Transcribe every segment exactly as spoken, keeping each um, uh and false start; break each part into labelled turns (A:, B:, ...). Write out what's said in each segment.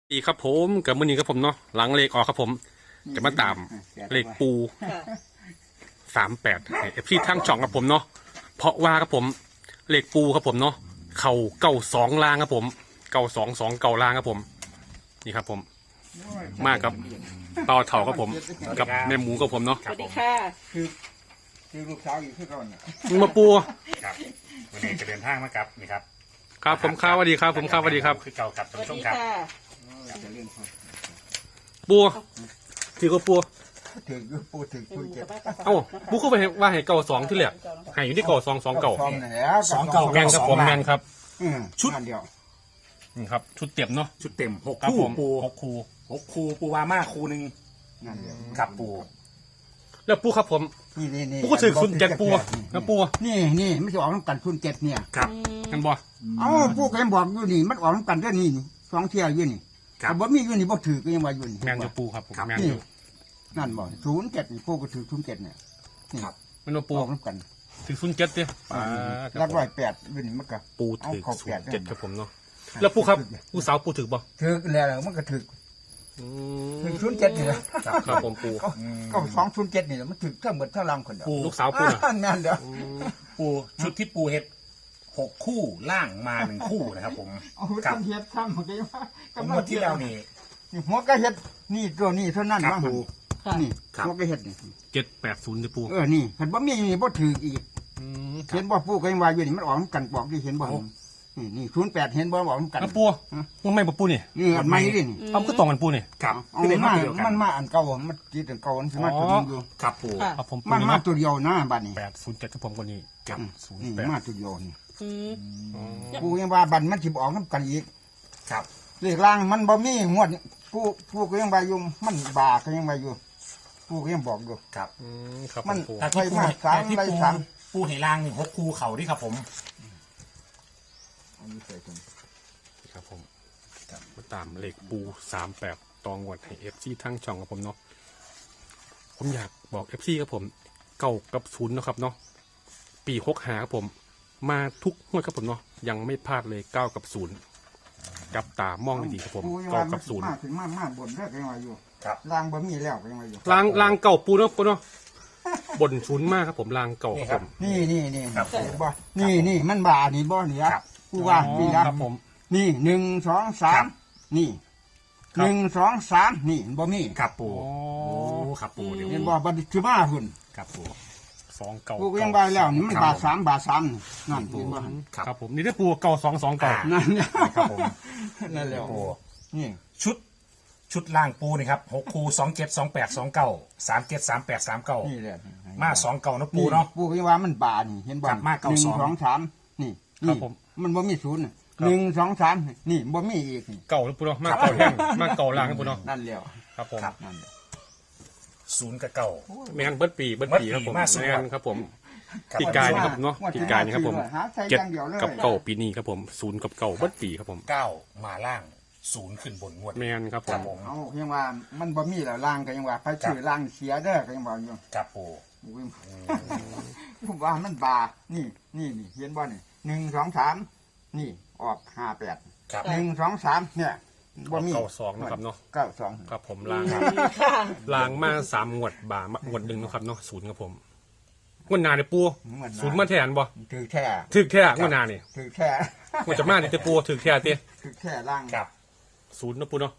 A: ดีครับผมกับมือนี้ครับผมเนาะหลังเลขออกครับผมจะมาตามเลขปูสามแปดเอฟซีทั้งช่องครับผมเนาะเพราะว่าครับผมเลขปูครับผมเนาะเข่าเก้าสองล่างครับผมเก้าสองสองเก้าล่างครับผมนี่ครับผมมากครับต่อเถ่าครับผมกับแม่หมูครับผมเนาะ
B: สวัสดีค่ะ
C: คือคือลูกสาวอยู่ที่ก่อนน่ะ
A: มึงมาปู
D: ครับวันนี้จะเดินทางมากับนี่ครับ
A: ครับผมข้าวสวัสดีครับผมข้าวสวัสดีครับ
D: คือเก่ากับ
B: ส
D: ท่าน
B: วัส
D: ผู้ชม
B: ดี
D: ครับ
B: ค่ะ
C: จะเล่นพ่อ
A: ปูถือก็ปู
C: ถึงพูดถึงพูดเจ็บ
A: เอ้าปูก็ไปว่าให้เก้าสองที่เหลือให้อยู่ที่เก้าสองสองเก้า
C: ฟอมแล้ว
D: สองเก่า
A: แมนครับผมแมนครับ
C: ชุดเดียว
A: นี่ครับชุดเต็มเนาะ
D: ชุดเต็มหก
A: ครับ
D: คู่
A: ผม
D: ปู
A: หกคู
D: หกคู่ปูวาม่าคู่หนึ่ง
C: นั่นเดียว
D: กับปู
A: แล้วปูครับผม
C: นี่นี่นี่
A: ปูก็ถือคุณเจ็ดปูนะปู
C: นี่นี่ไม่ใช่ออกน้ำกันคุณเจ็ดเนี่ย
D: ครับ
A: กันบ่
C: เอ้าปูก็ยังบอกอยู่นี่มันออกน้ำกันด้วยนี่สองเที่ยวอยู่นี่
D: ครับ
C: แต่บ่มีอยู่นี่บ่ถือก็ยังว่าอยู่นี่
A: แมนจะปูครับผมแมน
C: นี่
A: อยู่
C: นั่นบ่ศูนย์เจ็ดนี่ปูก็ถือศูนย์เจ็ดเนี่ยนี่
A: มันว่าปู
C: ออกน้ำกัน
A: ถือศูนย์เจ็ดดิ
C: แล้วร้อยแปดอยู่นี่มันก็
A: ปูถือ
C: เอาเข้า
A: ศู
C: แป
A: น
C: ด
A: ย์เจ็ดครับผมเนาะแล้วปูครับปูสาวปูถือบ่
C: ถือแล้วมันก็ถือ
A: อื
C: ถือ
A: ม
C: ศูนย์เจ็ดนี่แหละ
A: ครับผมปู
C: ก็ก็สองศูนย์เจ็ดนี่แหละมันถือเท่าเหมือนเท่าลำคนเดียว
D: ปู
A: ลูกสาวปูน่ะ
C: นั่นเดียว
D: ปูชุดที่ปูเฮ็ดหกคู่ล่างมาหนึ่งคู่นะครับผม
C: เอา
D: กับ
C: ทำเฮ็ดทำของแกว่า
D: ผมงวดที่แล้วนี่
C: นี่หัวก็เฮ็ดนี่ตัวนี้เท่านั้น
D: ครับ
C: ว่า
D: ปู
B: ค่ะ
C: นี่
D: ครับ
C: หัวก็เฮ็ดนี่
A: เจ็ดแปดศูนย์ดิปู
C: เออนี่เห็นบ่มีนี่บ่ถืออีก
A: อืม
C: เห็นบ่ปูก็ยังว่าอยู่นี่มันออกกันบอกดิเห็นบ่นี่นี่ศูนย์แปดเห็นบ่บอกกัน
A: แล้วปูมึงไม่บ่ปูนี่
C: นี่อันใหม่ดินี่
A: เอาก็ตรงกันปูนี่
D: ครับ
C: เอา
D: คือเป็น
C: มา
D: มาเดียวกัน
C: มันมาอันเก่ามันจิตอันเก่ามันสิมาตัวนี้อยู่
D: ครับปู
B: ค่ะ
A: ครับผมปู
C: มัน
A: นี่
C: มา
A: เนาะ
C: ตัวเดียวนะบัดนี้
A: แปดศูนย์เจ็ดครับผมคนนี้เจ็ดศูนย์
C: นี่
A: แปด
C: มาตัวเดียวนี่
B: อืม
C: ปูยังว่าบัดมันสิออกนำกันอีก
D: ครับ
C: เลขล่างมันบ่มีงวดปูปูก็ยังว่าอยู่มันบาก็ยังว่าอยู่ปูก็ยังบอกอยู่
D: ครับ
A: อืมครับ
C: มัน
A: ปู
D: แต่ที่ปู
C: ไปมาสาม
D: แต่ที่
C: ไป
D: ปู
C: สาม
D: ปูให้ล่างนี่หกคู่เข่าดิครับผม
C: อันนี้ใส่ถุง
A: ครับผมมาตามเลขปูสามแปดตองวดให้เอฟซีทั้งช่องครับผมเนาะผมอยากบอกเอฟซีครับผมเก้ากับศูนย์เนาะครับเนาะปีหกหาครับผม มาทุกงวดครับผมเนาะยังไม่พลาดเลยเก้ากับศูนย์จับตามองดีๆครับผม
C: ปูยัง
A: เก้า
C: ว่า
A: กับศูนย์
C: มาถึงมามาบนเด้อก็ยังว่าอยู่
D: ครับ
C: ล่างบ่มีแล้วก็ยังว่าอยู่
A: ลางลางเก่าปูเนาะปูเนาะบนศูนย์มากครับผมลางเก่าครับผม
C: นี่นี่นี่
D: ครับ
C: เห็นบ่นี่นี่มันบานี่บ่เนี่ย
D: ครับ
C: กูว่า
A: อ๋อ
C: นี่นะครับ
A: ผม
C: นี่หนึ่งสองสา
D: ครั
C: ม
D: บ
C: นี่
A: ครับ
C: หนึ่งสองสามนี่บ่มี
D: ครับปู
A: อ๋อ
D: โอ้ครับปูเดี๋ยว
C: เห็นบ่บัดนี้คือมาหุ่น
D: ครับปู
A: สองเก่า
C: กูก็ยังว่าแล้วนี่มัน
D: ครับ
C: บาทสามบาทสามนี่นั่น
D: ปู
C: เห็นบ่
D: ครับ
A: ครับผมนี่ได้ปูเก่าสองสองเก่า
C: นั่นเนี่ย
D: ครับผม
C: นั่นแหละ
D: ปู
C: นี่
D: ชุดชุดล่างปูนี่ครับหกคูสองเจ็ดสองแปดสองเก้าสามเจ็ดสามแปดสามเก้า
C: นี่แหละ
D: มาสองเก้านะปูเนาะ
C: ปูก็ยังว่ามันบาทนี่เห็นบ่
D: ครับมาเก้า
C: หนึ่ง
D: สอง
C: สองสามนี่
A: ครั
C: นี่
A: บผม
C: มันบ่มีศูนย์น่ะ
A: ครับ
C: หนึ่งสองสามนี่บ่มีอีกนี่
A: เก่าแล้วปูเนาะมากเก่าแห้งมากเก่าลางครับปูเนาะ
C: นั่นแล้ว
A: ครับผม
D: ครับ
C: นั่นแหละ
D: ศูนย์กับเก้า
A: แมนเบิร์ดปีเบิร์ดปีครับผม
D: เบิดปีมาสุด
A: แมนครับผม
D: ครับ
A: ปีกายนี่ครับผมเนาะ
C: งวด
A: ปี
C: ที่
A: กายนี่ครับผม
C: หาใส่
A: เจ็ด
C: อย่างเดียวเลย
A: กับเก่าปีนี้ครับผมศูนย์กับเก่าเบิร์ดปีครับผม
D: เก้ามาล่างศูนย์ขึ้นบนงวด
A: แมนครับผ
D: ครั
A: ม
D: บผม
C: เอายังว่ามันบ่มีแล้วล่างก็ยังว่าไปชื่อล่างเสียเด้อก็ยังว่าอยู่
D: ครับปู
C: อุ้ยผมว่ามันบานี่นี่นี่เห็นบ่นี่หนึ่งสองสามนี่ออกห้าแปด
D: ครับ
C: หนึ่งสองสามเนี่ยบ่มี
A: เก่าสองนะครับเนาะ
C: เก้าสอง
A: ครับผมลาง
B: ค่ะ
A: ลางมาสามงวดบ่างวดหนึ่งนะครับเนาะศูนย์ครับผมงวดหนาเนี่ยปู
C: เหมือน
A: ศูนย์มาแทนบ่
C: ถือแท้
A: ถึกแท้งวดหนาเนี่ย
C: ถือแท้
A: งวดจะมาเนี่ยแต่ปูถึกแท้เต้
C: ถือแท้ล่าง
D: ครับ
A: ศูนย์เนาะปูเนาะ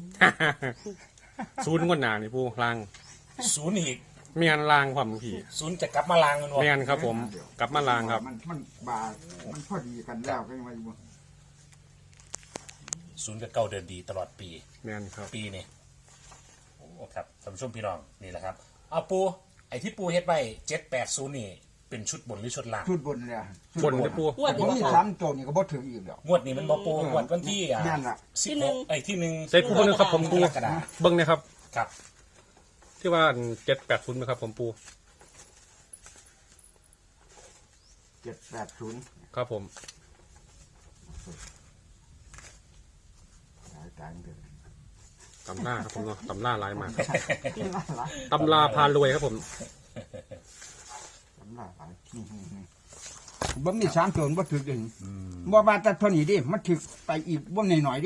A: ศูนย์งวดหนาเนี่ยปูลาง
D: ศูนย์อีก
A: แมนลางความผี
D: ศูนย์จะกลับมาล่างกันวะ
A: แมนครับผมกลับมาลางครับ
C: มันมันบามันพอดีกันแล้วก็ยังว่าอยู่
D: ศูนย์กับเก้าเดินดีตลอดปี
A: แมนครับ
D: ปีนี่โอ้ครับท่านผู้ชมพี่น้องนี่แหละครับเอาปูไอ้ที่ปูเฮ็ดไว้เจ็ดแปดศูนย์นี่เป็นชุดบนหรือชุดล่าง
C: ชุดบนเลย
A: บนเนี่ยปู
B: งวด
C: ผม
B: นี้
C: มี
B: บ่
C: สามตัวนี่ก็บ่ถืออีกแล้ว
D: งวดนี้มันบอปูงวดวันที่อ่ะ
C: แม่นล่ะ
D: สิบ
B: ที่หนึ่
D: หก
B: ง
D: ไอ้ที่หนึ่ง
A: ใส่ปูเบิ้งนะครับผมปู
D: กรกฎาคม
A: เบิ้งนะครับ
D: ครับ
A: ที่ว่าเจ็ดแปดศูนย์ไหมครับผมปู
C: เจ็ดแปดศูนย์
A: ครับผม
C: ตายตายเดือน
A: ตำหน้าครับผมเนาะตำหน้าลายมากตำราพารวยครับผม
C: สำลักไปนี่นี่นี่บ่มีสามตัวบ่ถือเด่นบ่ว่าแต่เท่านี้ดิมันถือไปอีกบ่หน่อยๆดิหั่นน่ะ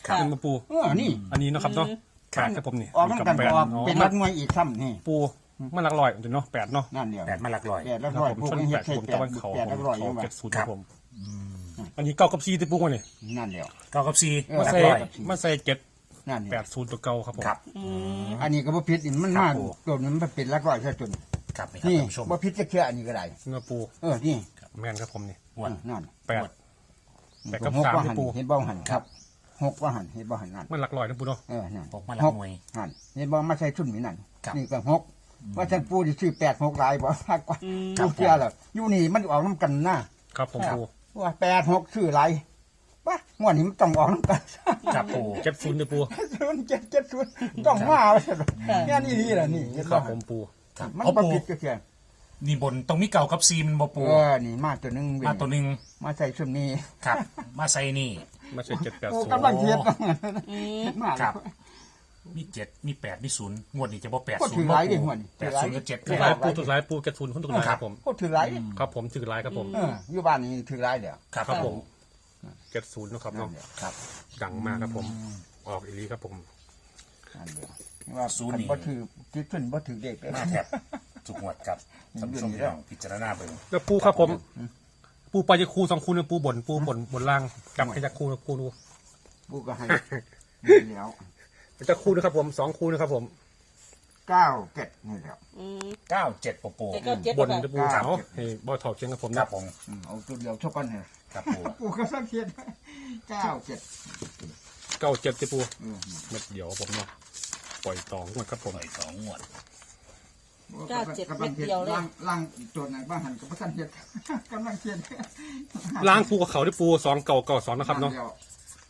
A: เป็นมาปู
C: เออนี่
A: อันนี้เนาะครับเนาะแปดครับผมนี่
C: ออกน้ำกัน
A: แปด
C: ออก
A: อ๋อ
C: เป็น
A: มั
C: รั
A: น
C: ดงวยอีกซ้ำนี่
A: ปูมันหลักร้อยเนาะแปดเนาะ
C: นั่นเดียว
D: แปดมาหลักร้อย
C: แปดแล้ว
A: ครับ
C: ร้อย
A: ผม
C: พวก
A: ชน
C: นี้
A: แป
C: เฮ็ด
A: ด
C: ใช่
A: ผม
C: แป
A: ตะ
C: ด
A: วันเขา
C: แปด
A: ผ
C: แล้ว
A: ม
C: ร้อย
A: เขา
C: ยังไง
A: เจ็ดศูนย์ครับผมอันนี้เก้ากับซีที่ปูมาเนี่ย
C: นั่นเดียว
D: เก้ากับสี่
C: เออ
A: มา
D: หลัก
A: ใส่
D: ร้อย
A: มาใส่เจ็ด
C: นั่นเดี
A: แป
C: ยว
A: ดศูนย์ตัวเก่าครับผม
D: ครับ
C: อันนี้ก็บ่ผิดอีกมัน
D: ครั
C: มา
D: บผม
C: ตัวนี้มันเป็นรักร้อยซะจน
D: ครับนี่ครับ
C: นี่
D: ท่านผู้ชม
C: บ่ผิดจะเชื่ออันนี้ก็ได้
A: เนื้อปู
C: เออนี่
A: แม่นครับผมนี่
D: งวด
C: นั่น
A: แปด แปดกับ
C: หก
A: สาม
C: ว่า
A: นี่
C: หัน
A: ปู
C: เห็นบ่หันครับหกว่าหันเห็นบ่หันนั่น
A: มันหลักร้อยนะปูเนาะ
C: เออนั่น
D: หกมาหลักหน่วย
C: หันเห็นบ่มาใส่ชุดนี้นั่น
D: ครับ
C: นี่ก็หกว่าฉันปูสิซื้อแปดหกหลายบ่มากกว่า
D: ครั
C: ปู
D: บ
C: เชื่อแล้วอยู่นี่มันออกน้ำกันนะครับ
A: ผมปู
C: ว่าแปดหกซื้อหลายว่างวดนี้มันต้องออกน้ำกัน
D: ครับปู
A: เจ็ดศูนย์เนี่ยปู
C: ศูนย์เจ็ดเจ็ดศูนย์ต้องมาว่าซั่นแค่นี้นี่แหละนี่เห็น
A: ครั
C: บ่
A: บผมปู
D: ครับ
C: มัน
D: เอา
C: บ่
D: ปู
C: ผิดก็แค่
D: นี่บนตรงนี้เก่ากับซีมันบ่ปู
C: เออนี่มาตัวหนึงเว้ย
D: มาตัวหนึ่ง
C: มาใส่ชุดนี้
D: ครับ มาใส่นี่
A: ไม่ใช่เจ็ดแปด
C: โอ้
A: ศูนย์
C: กำลังเทียบมา
D: ครับ มีเจ็ดมีแปดมีศูนย์งวดนี้จะบ่แปด
C: ก็
D: ศู
C: ถื
D: น
C: อ
D: ย์
C: หลายดิงวดนี้
D: แปดศูนย์กับเจ็ด
A: ถือ
D: แป
A: หลาย
D: ด
A: ปูถือหลายปูเจ็ดศูนย์คนถือหลายครับผม
C: ก็ถือหลายดิ
A: ครับผมถือหลายครับผม
C: เอออยู่บ้านนี่ถือหลายเดี๋ยว
D: ครับ
A: ครับ
D: ผ
A: ผม มเจ็ดศูนย์นะครับ
C: นั่
A: เนาะ
C: นเดียว
D: ครับ
A: ดังมากครับผม ออกอีหลีครับผม
C: นั่นเดียวว่า
D: ศูนย์นี่
C: บ่ถือจิตขึ้นบ่ถือเด็กเลย
D: มาแทบทุกงวดครับท่านผู้ชมพี่น้องพิจารณาเบิ่ง
A: แล้วปูครับผม ปูไปจะคูสองคูเนี่ยปูบนปูบนบนล่างจับให้จะคูนะปูดู
C: ปูก็ให้นี่แล้ว
A: จะคูนะครับผมสองคูนะครับผม
C: เก้าเก็ดนี่แล้ว
D: เก้าเจ็ดปูปู
B: เจ็ดเก้าเจ็ด
A: บน
B: ค่ะ
A: จะปูขาวให้บอถอดเชียงครับผม
D: ครั
A: นะ
D: บผม
C: อืมเอาตัวเดียวเท่ากันเนี่ย
D: ครับปู
C: ปูก็สังเกตเก้าเจ็ด
A: เก้าเจ็ดจะปู
C: เออ
A: เม็ดเดียวครับผมเนาะปล่อยต่องวดครับผม
D: ปล่อยสองงวด
B: เก้าเจ็ดเม็ดเดียวเลย
C: ล่างล่างตัวไหนบ้างหันกับพระสันเฮ็ดกำลังเขียน
A: ล้างปูกับเขาที่ปูสองเก่าเก่าสองนะครับเนาะ
C: ดียว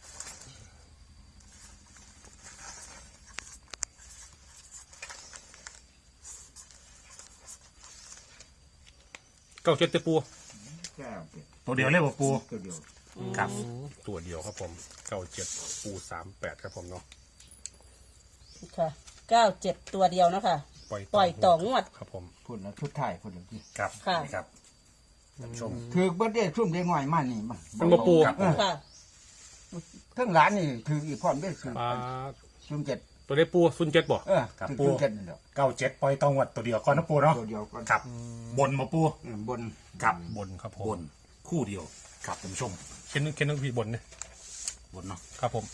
A: เก้าเจ็ดจะปู
C: เก้าเจ็ด
D: ตัวเดียวเลยปูปู
C: ตัวเดียว
D: ครับ
A: ตัวเดียวครับผมเก้าเจ็ดปูสามแปดครับผมเนาะ
B: ค่ะเก้าเจ็ดตัวเดียวเนาะคะ
A: ปล่อย
B: ปล่อยต่องวด
A: ครับผม
C: พูดแล้วชุดไทายพูดแล้วที่
D: ครับ
B: ค่ะ
D: นี่ครับท่านผู้ชม
C: ถือเบิดเด้ซุ่มได้ง่อยมานี่มา
A: มันมาปู
D: ครับ
B: ค่ะ
C: ทั้งร้านนี่ถืออีกพร้อมได้ซื้อ
A: ปลา
C: ซุ่มเจ็ด
A: ตัวได้ปูซุนเจ็ดบ่
C: เออถือซุ่มเจ็ดนี่แหละ
D: เก้าเจ็ดปล่อยตองงวดตัวเดียวก่อนนะปูเนาะ
C: ตัวเดียวก็
D: ครับ บนมาปู
C: อืมบน
D: ครับ
A: บนครับผ
D: บ
A: ม
D: นคู่เดียวครับท่านผู้ชม
A: เข็นเข็นต้องพีบนเนี่ย
D: บนเนาะ
A: ครับผม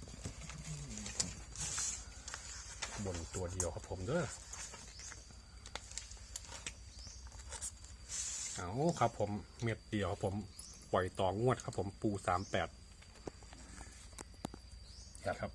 A: บนตัวเดียวครับผมเด้อเอาครับผมเม็ดเดียวครับผมปล่อยต่องวดครับผมปูสามแปด
D: ครับ
A: ครับ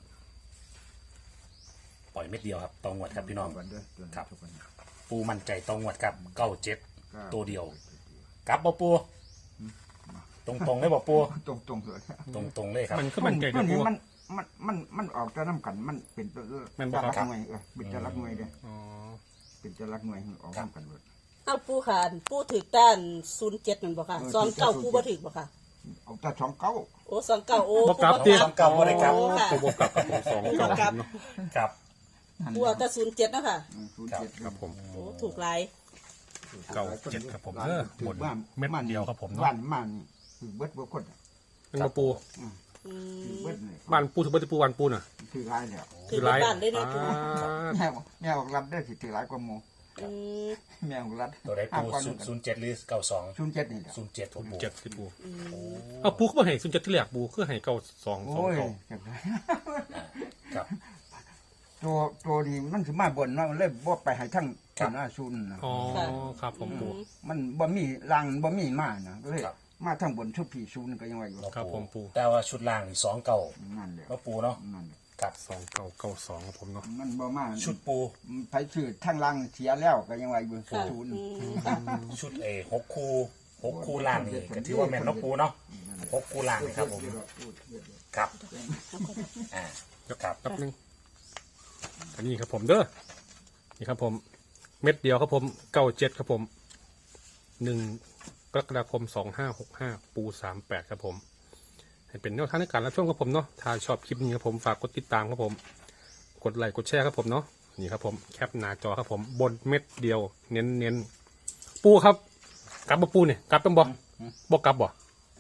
D: ปล่อยเม็ดเดียวครับตองงวดครับพี่น้อง
C: กันด้วยตัวนี้
D: ครับ
C: ทุกคน
D: ปูมั่นใจตองงวดครับเก้าเจ็ด
C: ก้า
D: ตัวเดียวกลับบ่ปูตรงตรงๆเลยบ่ปู
C: ตรงตรงๆเลย
D: ตรงตรงๆเลยครับ
A: มันก็มันใจ
C: มั
A: นะ
C: น
A: ปู
C: มันมันมันมันออกจะน้ำกันมันเป็นตัว
A: แม่นบ่
C: จะ
A: ครับ
C: รักหน่วยเออเป็นจะรักหน่วยเด้อ
A: อ๋อ
C: เป็นจะรักหน่วยออกน้ำกันหมด
B: เอาปูขานปูถือต้านศูนย์เจ็ดนั่นบ่ค่ะ
C: เออ
B: สองเก้า
C: ศูนย์เจ็ด
B: ปูบ่ถือบ่ค่ะ
C: เอาแต่สองเก้า
B: โอ้สองเก้าโอ้
A: บกลับ
B: ปู
A: ดิ
B: บ่
D: สองเก้าบ่ได้กลับ
B: โอ้ค่ะ
A: ตัวบวกกลับกับผมสองเก้า
B: บวกกลับ
A: เนาะ
D: ครับ
B: ปูเอาแต่ศูนย์เจ็ดเนาะค่ะ
C: ศูนย์เจ็ด
A: ครับผม
B: โอ้ถูกหลาย
A: เก้าเจ็ดครับผมเออบนเม็ดเดียวครับผมเนาะ
C: บ้านบ้านนี่ถือเบิดบ่คน
A: เป็นมาปู
B: อืม
C: ถือเบิดเลย
A: บ้านปูถือว่าจะปูบ้านปูน่ะ
C: ถือร้ายแล้ว
B: ถือเป็นบ้านเลยเนาะปู
A: อ่า
C: แม่บอกแม่บอกรับได้สิถือร้ายกว่าหมู
B: อืม
C: แม่บอกรับ
D: ตัวใดปูศูนย์ศูนย์เจ็ดหรือเก้าสอง
C: ศูนย์เจ็ดนี่แหละ
D: ศูนย์เจ็ดปู
A: เจ็ดที่ปูเอาปูเขามาให้ซุนเจ็ดที่แรกปูคือให้เก้าสองสอง
C: โอ้ย
A: เก้า
C: จังได
D: ครับ
C: ตัวตัวนี้มันสิมาบนเนาะมันเลยบ่ไปให้ทั้งทั้งอาชุนนะ
A: อ๋อครับผมปู
C: มันบ่มีรังบ่มีมานะก็เลย
D: ครับ
C: มาทั้งบนชุดผีชุนก็ยังว่าอยู่
A: ครับผมปู
D: แต่ว่าชุดล่างนี่สองเก้า
C: นั่นแหละ
D: แล้วปูเนาะ
C: นั่นแหละ
D: ครับ
A: สองเก้าเก้าสองครับผมเนาะ
C: มันบ่มา
D: ชุดปู
C: ไปซื้อทั้งรังเสียแล้วก็ยังว่าอยู่
B: ค่ะ
C: ชุน
B: อืม
D: ชุดเอหกคูหกคูล่างนี่ก็ถือว่าแม่นเนาะปูเนาะหกคูล่างนี่ครับผมครับอ่าครับ
A: แป๊บนึงอันนี้ครับผมเด้อนี่ครับผม เม็ดเดียวครับผมเก้าเจ็ดครับผมหนึ่งกรกฎาคมสองห้าหกห้าปูสามแปดครับผมให้เป็นแนวทางในการรับชมครับผมเนาะถ้าชอบคลิปนี้ครับผมฝากกดติดตามครับผม กดไลค์กดแชร์ครับผมเนาะนี่ครับผมแคปหน้าจอครับผมบนเม็ดเดียวเน้นเน้นๆปูครับกลับบ่ปูเนี่ยกลับต้องบ่บ่กลับบ่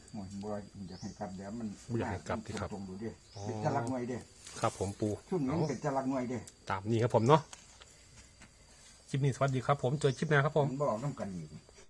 C: โอ้ยบ่อยากให้กลับเดี๋ยวมัน
A: บ่อยากให้กลับที่ครับ
C: ตรงดูดิ
A: อ๋อ
C: เป็นจะรักหน่วยเด้
A: ครับผมปู
C: ช่วงนี้
A: เอา
C: มันเป็นจะรักหน่วยเด้
A: ตามนี้ครับผมเนาะคลิปนี้สวัสดีครับผมเจอคลิปหน้าครับผม
C: มันบอกต้องกันอีก